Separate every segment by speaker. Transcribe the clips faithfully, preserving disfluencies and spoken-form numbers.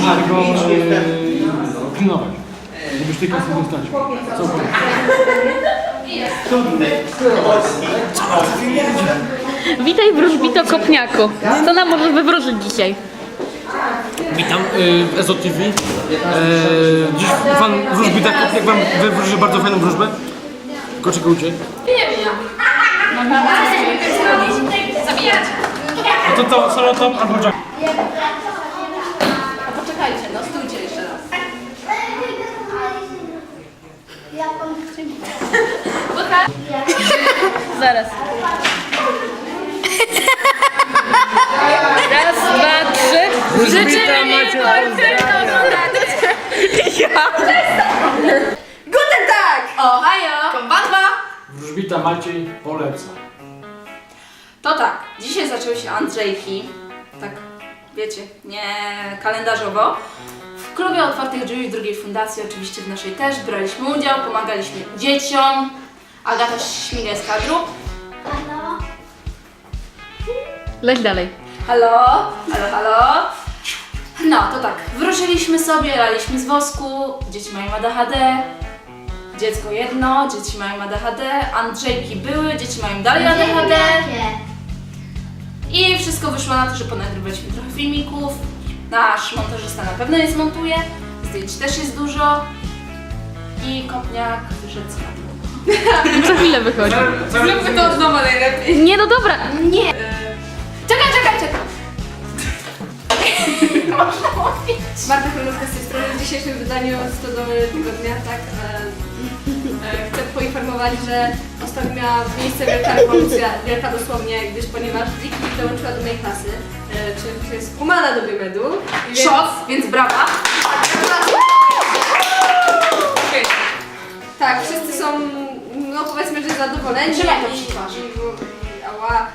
Speaker 1: żeby go e, pilnować. Żebyś tej kasy nie stracił. Co powiesz?
Speaker 2: Witaj wróżbito Kopniaku. Co nam możesz wywróżyć dzisiaj?
Speaker 1: Witam y, w Ezo T V. E, dziś pan wróżbita Kopniak wam wywróży bardzo fajną wróżbę. Tylko czekajcie.
Speaker 2: Zabijać!
Speaker 1: A to to solo top albo jack.
Speaker 2: A poczekajcie, no stójcie jeszcze raz. Zaraz. Raz, dwa, trzy. Życzymy miłego koncertu! Ja!
Speaker 3: Guten Tag!
Speaker 2: Ohajo! Konbanwa!
Speaker 1: Wróżbita Maciej poleca.
Speaker 3: To tak, dzisiaj zaczęły się Andrzejki, tak wiecie, nie kalendarzowo. W klubie otwartych drzwi w drugiej fundacji, oczywiście w naszej też, braliśmy udział, pomagaliśmy dzieciom. Agata śmiga z kadru.
Speaker 2: Leć dalej.
Speaker 3: Halo, halo, halo. No, to tak, wróżyliśmy sobie, laliśmy z wosku, dzieci mają A D H D. Dziecko jedno, dzieci mają A D H D, Andrzejki były, dzieci mają dalej A D H D. I wszystko wyszło na to, że ponagrywaliśmy trochę filmików. Nasz montażysta na pewno je zmontuje. Zdjęć też jest dużo. I Kopniak wyszedł z kadru.
Speaker 2: Co chwilę wychodzi.
Speaker 3: Zróbmy to od nowa najlepiej.
Speaker 2: Nie, no dobra.
Speaker 3: Nie. Czekaj, czekaj, czekaj. Można mówić.
Speaker 4: Marta Chronowska z tej strony. W dzisiejszym wydaniu Stodoły Tygodnia, tak, e, e, chcę poinformować, że ostatnio miała miejsce wielka rewolucja, wielka dosłownie, gdyż ponieważ Wiki dołączyła do mojej klasy, e, czy jest kumana do Biomedu. więc-
Speaker 3: Szok, więc brawa.
Speaker 4: Okej. Tak, wszyscy są, no powiedzmy, że zadowoleni.
Speaker 3: Trzymaj to
Speaker 4: i-
Speaker 3: przy twarzy.
Speaker 4: i- i- Ała.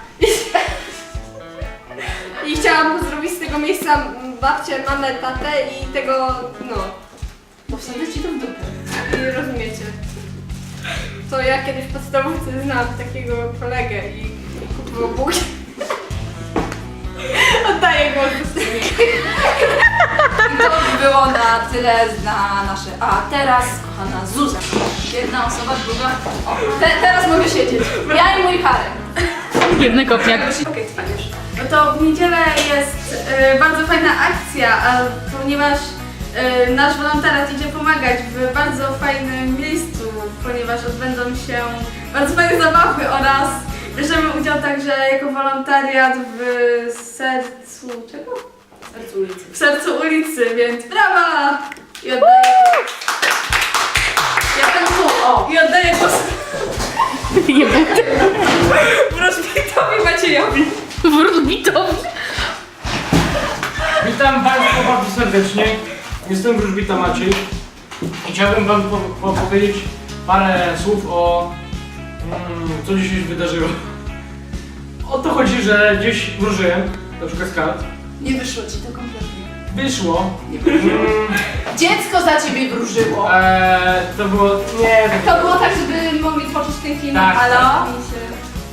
Speaker 4: I chciałam zrobić z tego miejsca babcię, mamę, tatę i tego, no,
Speaker 3: Bo wsadzę ci to w dupę.
Speaker 4: i rozumiecie. To ja kiedyś w podstawówce znałam takiego kolegę i kupował bułki. Oddaję głos do siebie.
Speaker 3: I to by było na tyle na nasze. A teraz, kochana Zuza. Jedna osoba, druga. O, te, teraz mogę siedzieć. Ja i mój harem.
Speaker 2: Biedny Kopniak.
Speaker 4: Okej, spaniesz. No to w niedzielę jest e, bardzo fajna akcja, a, ponieważ e, nasz wolontariat idzie pomagać w bardzo fajnym miejscu, ponieważ odbędą się bardzo fajne zabawy oraz bierzemy udział także jako wolontariat w sercu czego?
Speaker 3: Sercu ulicy.
Speaker 4: W sercu ulicy, więc brawa! I oddaję,
Speaker 3: Ja ten tu, o.
Speaker 4: i oddaję głos wróżbitowi Maciejowi.
Speaker 2: Wróżbitowi.
Speaker 1: Witam Państwa bardzo serdecznie. Jestem wróżbita Maciej. I chciałbym Wam po, po, powiedzieć parę słów o mm, co dzisiaj się wydarzyło. O to chodzi, że gdzieś wróżyłem, na przykład z kart.
Speaker 3: Nie wyszło ci to kompletnie.
Speaker 1: Wyszło. Mm,
Speaker 3: Dziecko za ciebie wróżyło.
Speaker 1: e, to było. Nie,
Speaker 4: To było tak, żeby mogli tworzyć ten film.
Speaker 1: Tak,
Speaker 3: Halo?
Speaker 4: I się-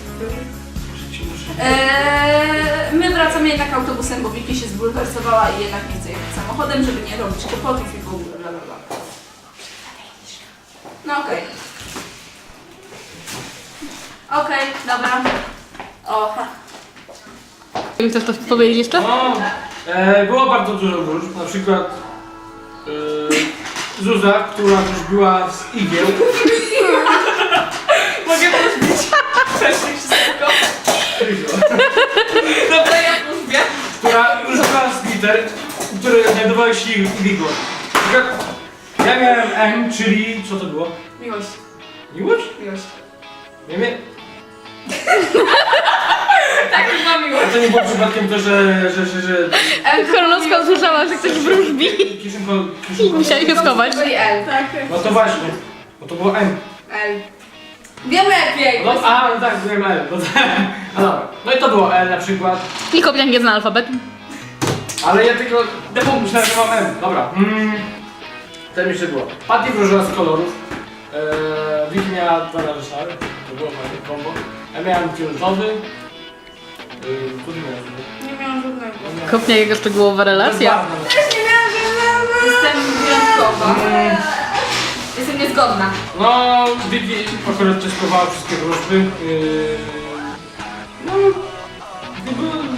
Speaker 3: Eee, my wracamy jednak autobusem, bo Wiki się zbulwersowała i jednak nie chce jechać samochodem, żeby nie robić kłopotów i w ogóle bla bla bla. No okej. Okej, dobra. O, ha.
Speaker 2: Chcesz coś powiedzieć jeszcze?
Speaker 1: No, e, było bardzo dużo wróżb, na przykład e, Zuza, która wróżbiła z igieł,
Speaker 3: Mogę wróżbić? Wcześniej wszystko. Dobra, ja wróżbię.
Speaker 1: która wróżbiła z liter, które znajdowały się w igłach. Na przykład ja miałem M, czyli co to było?
Speaker 3: Miłość,
Speaker 1: Miłość?
Speaker 3: miłość.
Speaker 1: Nie wiem.
Speaker 3: Tak, chyba miłość.
Speaker 1: A to nie było przypadkiem to, że... że, że, że
Speaker 2: Chronowska usłyszała, że ktoś wróżbi.
Speaker 1: Kiszynko,
Speaker 2: I
Speaker 1: kiszynko.
Speaker 2: musiała się schować.
Speaker 3: I L.
Speaker 4: Tak,
Speaker 1: No to właśnie, bo to było M.
Speaker 4: L.
Speaker 3: Wiem lepiej.
Speaker 1: No, a, no tak, byłem L. No, tak. No, dobra. No i to było L na przykład.
Speaker 2: I Kopniak nie zna alfabetu.
Speaker 1: Ale ja tylko... Default myślałem, że mam M. Dobra. Mm. Ten jeszcze było. Patty wróżyła z kolorów. Eee, Vicky miała dwa razy szary. To było fajne kombo. Ja miałem fioletowy. Eee, tu nie miałem.
Speaker 4: Nie miałam żadnego.
Speaker 2: Kopniak, jego szczegółowa relacja.
Speaker 1: Bezbarwne.
Speaker 4: Też nie miałam żadnego.
Speaker 3: jestem wyjątkowa. Jestem niezgodna.
Speaker 1: No, Wiki akurat testowała wszystkie wróżby. Yy... No, jakby...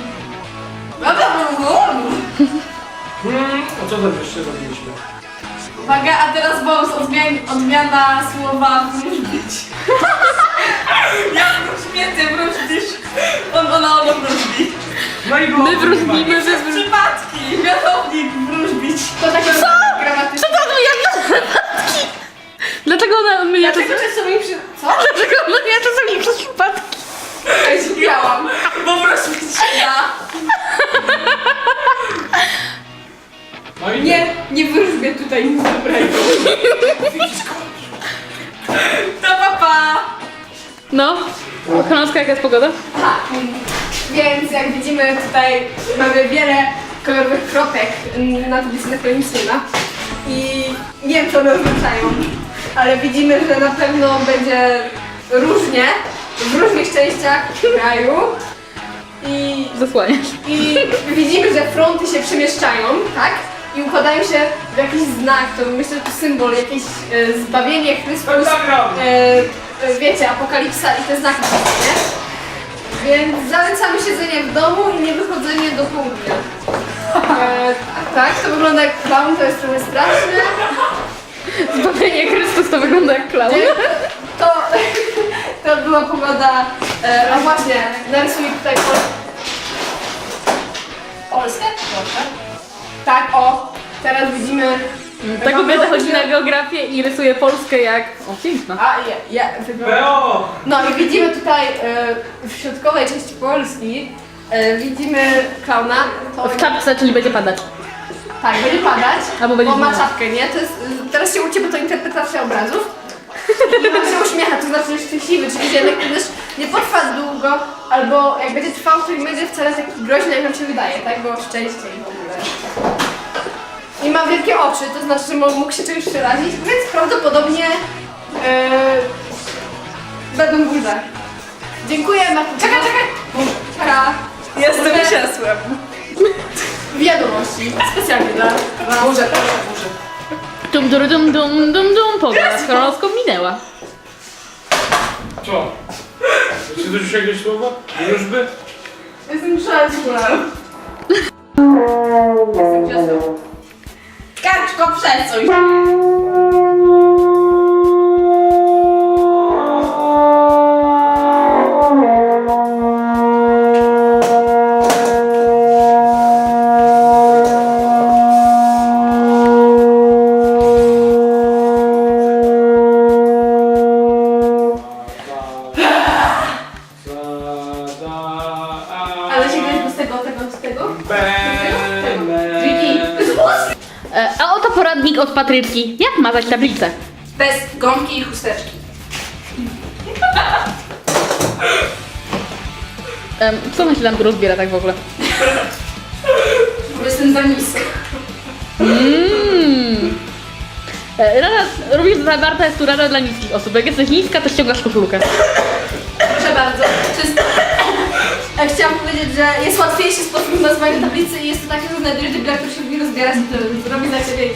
Speaker 1: Hmm, a co tam jeszcze robiliśmy?
Speaker 4: Uwaga, a teraz bonus odmian odmiana słowa wróżbić. Ja wróżbię, ty wróżbisz. On, ona ono wróżbi.
Speaker 1: No i było
Speaker 2: My wróżbimy, wy
Speaker 4: Przez
Speaker 2: wróżbimy.
Speaker 4: przypadki, mianownik wróżbić. To takie
Speaker 2: Co?
Speaker 4: gramatyczne.
Speaker 2: Co to odmija przypadki? Dlaczego ona odmija
Speaker 4: Dlaczego
Speaker 2: czasami?
Speaker 4: czasami przy... Co?
Speaker 2: Dlaczego ona odmija czasami przez przypadki?
Speaker 4: Ja się miałam, bo wróżbić ja.
Speaker 1: No i
Speaker 4: Nie, nie wróżbię tutaj nic dobrego. To papa!
Speaker 2: No, Chronowska, jaka jest pogoda?
Speaker 4: Tak, więc jak widzimy tutaj mamy wiele kolorowych kropek na tablicy, na której nic nie ma. I nie wiem co one oznaczają, ale widzimy, że na pewno będzie różnie w różnych częściach kraju. I,
Speaker 2: Zasłaniasz.
Speaker 4: I widzimy, że fronty się przemieszczają, tak? I układają się w jakiś znak, to myślę, że to symbol, jakieś e, zbawienie Chrystus, e, e, wiecie, apokalipsa i te znaki, nie? Więc zalecamy siedzenie w domu i nie wychodzenie do południa. E, tak, to wygląda jak clown, to jest trochę straszne.
Speaker 2: Zbawienie Chrystus to wygląda jak klaun.
Speaker 4: To, to była pogoda, e, a właśnie, narysuję tutaj Pol Polskę? Proszę. Tak, o, teraz widzimy...
Speaker 2: Ta kobieta chodzi na geografię i rysuje Polskę jak... O, piękna.
Speaker 4: A, ja, ja, wygląda...
Speaker 1: Beo!
Speaker 4: No i widzimy tutaj e, w środkowej części Polski, e, widzimy klauna. To,
Speaker 2: W czapce, czyli będzie padać.
Speaker 4: tak, będzie padać,
Speaker 2: Albo będzie
Speaker 4: bo ma
Speaker 2: zimno.
Speaker 4: czapkę, nie? To jest, e, teraz się uczy, bo to interpretacja obrazów. I on się uśmiecha, to znaczy, że jest szczęśliwy, czyli że jednak też nie potrwa długo, albo jak będzie trwał, to nie będzie wcale taki groźny, jak nam się wydaje, tak? Bo szczęście i w ogóle. I ma wielkie oczy, to znaczy, że mógł się czymś przerazić, więc prawdopodobnie e, będą burze. Dziękuję, Marta. Czekaj, czekaj! Czeka.
Speaker 3: Jestem
Speaker 4: Burze.
Speaker 3: krzesłem.
Speaker 4: Wiadomości, specjalnie dla... dla...
Speaker 3: Burze, proszę, burze.
Speaker 2: Dum, dum, dum, dum, dum, dum, pogoda z Chronowską minęła.
Speaker 1: Co? Czy coś jakieś słowa? Wróżby?
Speaker 4: Jestem krzesłem. Jestem krzesłem.
Speaker 3: Karczko, przesuń.
Speaker 4: Ale się gryź z tego, tego, z tego?
Speaker 3: Wiki.
Speaker 2: E, a oto poradnik od Patryczki. Jak mazać tablicę?
Speaker 3: Bez gąbki i chusteczki.
Speaker 2: E, co ona się tam tu rozbiera tak w ogóle?
Speaker 3: Bo jestem za niska.
Speaker 2: Mmm. E, rada, również zawarta jest tu rada dla niskich osób. Jak jesteś niska, to ściągasz koszulkę.
Speaker 4: Proszę bardzo. Czysto. Ja chciałam powiedzieć, że jest łatwiejszy sposób nazwania tablicy i jest to taki, że znajdujesz debila, który się lubi rozbierać i to robi za ciebie.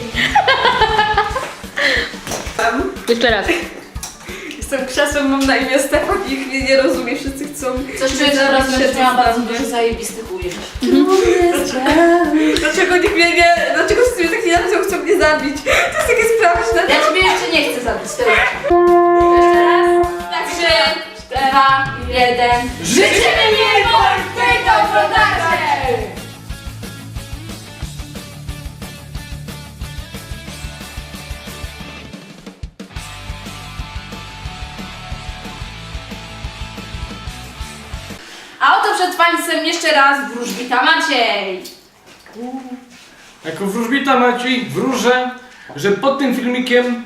Speaker 2: Jeszcze raz.
Speaker 4: Jestem krzesłem, mam na imię Stefan i ich mnie nie rozumie, wszyscy chcą...
Speaker 3: Coś czuję, że teraz będziesz miała bardzo dużo zajebistych ujęć.
Speaker 4: Dlaczego nikt mnie nie... Dlaczego wszyscy mnie tak nie nazywają, chcą mnie zabić? To jest takie straszne.
Speaker 3: Ja ciebie jeszcze nie chcę zabić, to jeszcze raz.
Speaker 4: Tak,
Speaker 3: Trzy, dwa, jeden. Życzymy mi Polskiej Dobrze! A oto przed Państwem jeszcze raz wróżbita Maciej.
Speaker 1: Jako wróżbita Maciej wróżę, że pod tym filmikiem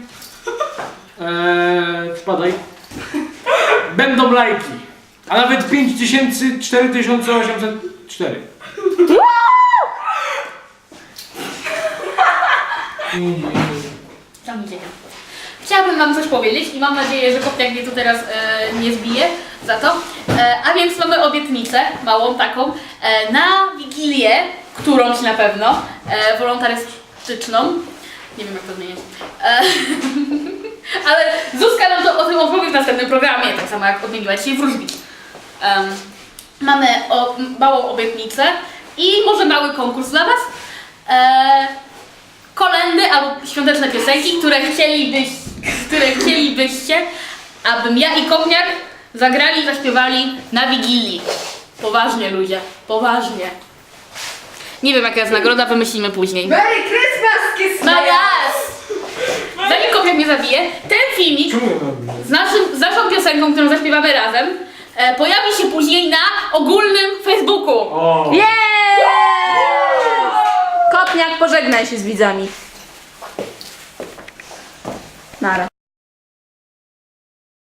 Speaker 1: eee, spadaj, będą lajki, a nawet pięć tysięcy cztery tysiące osiemset cztery.
Speaker 2: Chciałabym Wam coś powiedzieć i mam nadzieję, że Kopniak mnie tu teraz e, nie zbije za to. E, a więc mamy obietnicę, małą taką, e, na Wigilię, którąś na pewno, e, wolontarystyczną. Nie wiem jak to zmieniać. E, ale Zuzka nam to o tym opowie w następnym programie, tak samo jak odmieniła dzisiaj wróżbić. Um, mamy o, małą obietnicę i może mały konkurs dla Was. E, kolendy albo świąteczne piosenki, które, chcielibyś, które chcielibyście, abym ja i Kopniak zagrali i zaśpiewali na Wigilii. Poważnie ludzie, poważnie. Nie wiem jaka jest nagroda, wymyślimy później.
Speaker 4: Merry Christmas, kiss
Speaker 2: No jas! Zanim Kopniak mnie zabije, ten filmik
Speaker 1: Czemu ja robię?
Speaker 2: z, naszym, z naszą piosenką, którą zaśpiewamy razem, e, pojawi się później na ogólnym Facebooku.
Speaker 1: O!
Speaker 3: Jest! Kopniak, pożegnaj się z widzami. Nara.